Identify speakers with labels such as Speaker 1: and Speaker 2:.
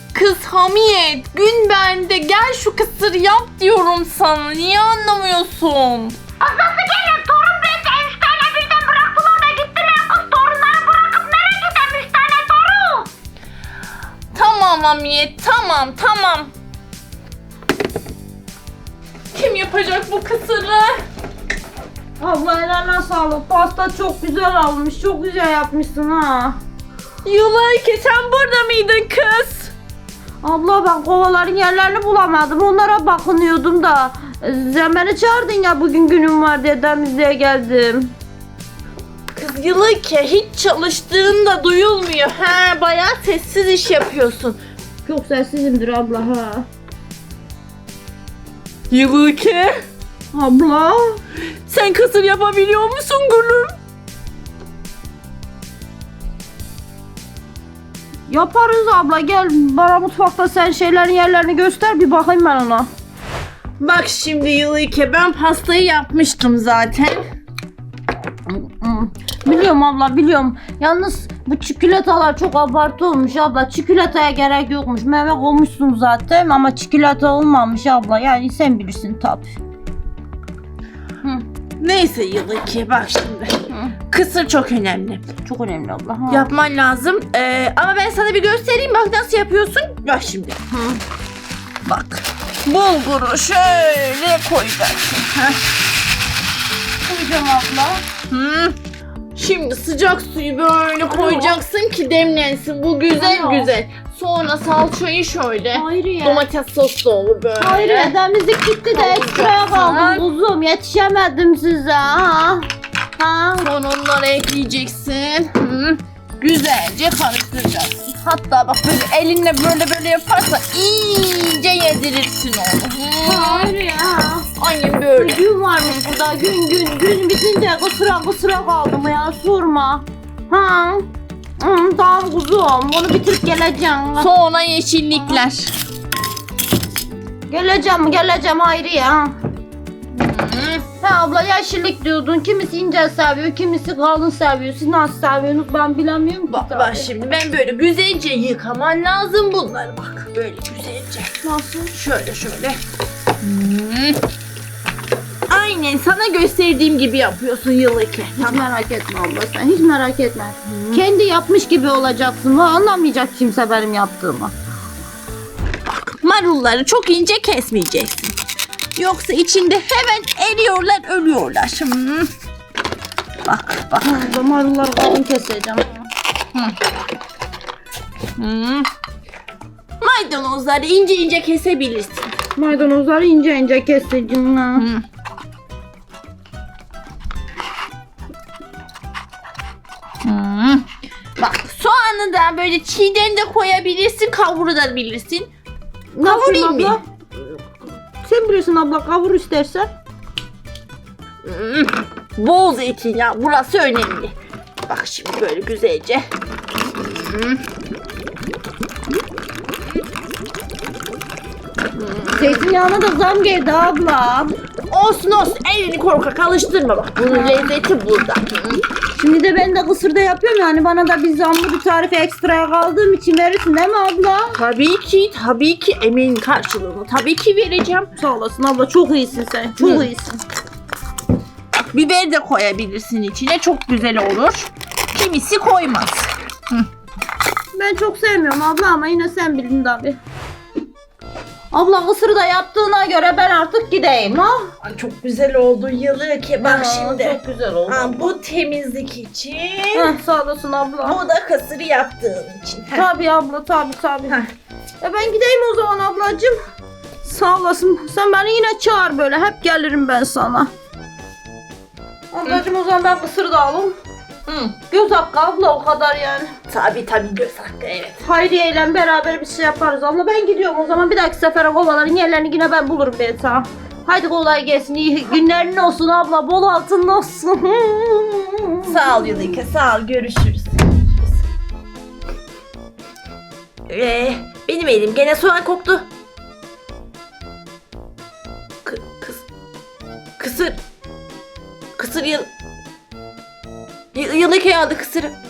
Speaker 1: Kız Hamiyet, gün bende, gel şu kısır yap diyorum sana. Niye anlamıyorsun?
Speaker 2: Nasıl geliyor? Torun beni 3 tane birden bıraktılar da gittiler. Kız torunları bırakıp nereye gidelim 3 tane torun?
Speaker 1: Tamam Hamiyet, tamam. Kim yapacak bu kısırı?
Speaker 3: Abla eline sağlık. Pasta çok güzel olmuş. Çok güzel yapmışsın ha.
Speaker 1: Yulayke, sen burada mıydın kız?
Speaker 3: Abla ben kovaların yerlerini bulamadım. Onlara bakınıyordum da. Sen beni çağırdın ya bugün günüm var diye temizliğe geldim.
Speaker 1: Kız Yulayke, hiç çalıştığın da duyulmuyor. He, bayağı sessiz iş yapıyorsun.
Speaker 3: Çok sessizimdir abla ha.
Speaker 1: Yulayke,
Speaker 3: Abla.
Speaker 1: sen kısır yapabiliyor musun gülüm?
Speaker 3: Yaparız abla, gel bana mutfakta sen şeylerin yerlerini göster bir bakayım ben ona.
Speaker 1: Bak şimdi Yulayke, ben pastayı yapmıştım zaten.
Speaker 3: Biliyorum abla, biliyorum. Yalnız bu çikolatalar çok abartı olmuş abla. Çikolataya gerek yokmuş. Meyve koymuşsun zaten ama çikolata olmamış abla. Yani sen bilirsin tabii.
Speaker 1: Neyse Yulayke, bak şimdi. Kısır çok önemli.
Speaker 3: Çok önemli abla. Ha.
Speaker 1: Yapman lazım. Ama ben sana bir göstereyim, bak nasıl yapıyorsun. Bak şimdi. Bak. Bulguru şöyle koyacaksın.
Speaker 3: Koyacağım abla.
Speaker 1: Hı. Şimdi sıcak suyu böyle koyacaksın ki demlensin. Bu güzel
Speaker 3: Alo.
Speaker 1: güzel. Sonra salçayı şöyle.
Speaker 3: Hayriye.
Speaker 1: Domates soslu olur böyle.
Speaker 3: Hayriye, temizlik gitti de ekstraya kaldım kuzum. Yetişemedim size ha. Ha.
Speaker 1: Sonra onları ekleyeceksin. Hı. Güzelce karıştıracaksın. Hatta bak böyle elinle böyle yaparsa iyice yedirirsin onu. Hı.
Speaker 3: Hayriye ha.
Speaker 1: Aynen böyle.
Speaker 3: Gün varmış burada, gün bitince kısıra kaldım ya, sorma. Ha. Tamam kuzum, bunu bitirip geleceğim.
Speaker 1: Sonra yeşillikler.
Speaker 3: Geleceğim Hayriye ha.
Speaker 1: Hı.
Speaker 3: Ha abla, yeşillik diyordun, kimisi ince seviyor, kimisi kalın seviyor. Siz nasıl seviyorsunuz ben bilemiyorum ki.
Speaker 1: Bak şimdi ben böyle güzelce yıkaman lazım bunları, bak böyle güzelce.
Speaker 3: Nasıl?
Speaker 1: Şöyle. Aynen sana gösterdiğim gibi yapıyorsun Yulayke.
Speaker 3: Hiç merak etme abla, sen hiç merak etme. Kendi yapmış gibi olacaksın, anlamayacak kimse benim yaptığımı.
Speaker 1: Marulları çok ince kesmeyeceksin. Yoksa içinde hemen eriyorlar, ölüyorlar. Bak.
Speaker 3: Abla marulları kalın keseceğim.
Speaker 1: Maydanozları ince kesebilirsin.
Speaker 3: Maydanozları ince keseceğim. Ha.
Speaker 1: Bak soğanı da böyle çiğden de koyabilirsin, kavurabilirsin.
Speaker 3: Ne
Speaker 1: Kavurayım
Speaker 3: yapayım
Speaker 1: mı?
Speaker 3: abla? Sen bilirsin abla, kavur istersen.
Speaker 1: Bol zeytinyağı, burası önemli. Bak şimdi böyle güzelce.
Speaker 3: Zeytinyağına da zam geldi abla.
Speaker 1: Olsun elini korkak alıştırma, bak bunun lezzeti burada.
Speaker 3: Şimdi de ben de kısırda yapıyorum, yani bana da bir zamlı bir tarife ekstraya kaldığım için verirsin değil mi abla?
Speaker 1: Tabii ki emeğin karşılığını tabii ki vereceğim.
Speaker 3: Sağ olasın abla, çok iyisin sen, çok iyisin.
Speaker 1: Biber de koyabilirsin içine, çok güzel olur. Kimisi koymaz.
Speaker 3: Ben çok sevmiyorum abla ama yine sen bildin tabi. Abla kısırı da yaptığına göre ben artık gideyim ha.
Speaker 1: Ay, çok güzel oldu Yulayke, bak şimdi.
Speaker 3: Çok güzel oldu.
Speaker 1: Bu temizlik için.
Speaker 3: Sağ olasın abla.
Speaker 1: Bu da kısırı yaptığın için.
Speaker 3: Tabi abla, tabi.
Speaker 1: Heh.
Speaker 3: Ben gideyim o zaman ablacığım. Sağ olasın. Sen beni yine çağır böyle. Hep gelirim ben sana. Ablacığım o zaman ben kısır da alayım. Göz hakkı abla, o kadar yani.
Speaker 1: Tabii göz hakkı, evet.
Speaker 3: Hayriye ile beraber bir şey yaparız abla. Ben gidiyorum o zaman. Bir dahaki sefere kovaların yerlerini yine ben bulurum ben sana. Haydi kolay gelsin. İyi günlerin olsun abla. Bol altın olsun.
Speaker 1: Sağ ol Yulayke, sağ ol. Görüşürüz. Benim elim gene soğan koktu. Kısır Yulayke aldı kısırı.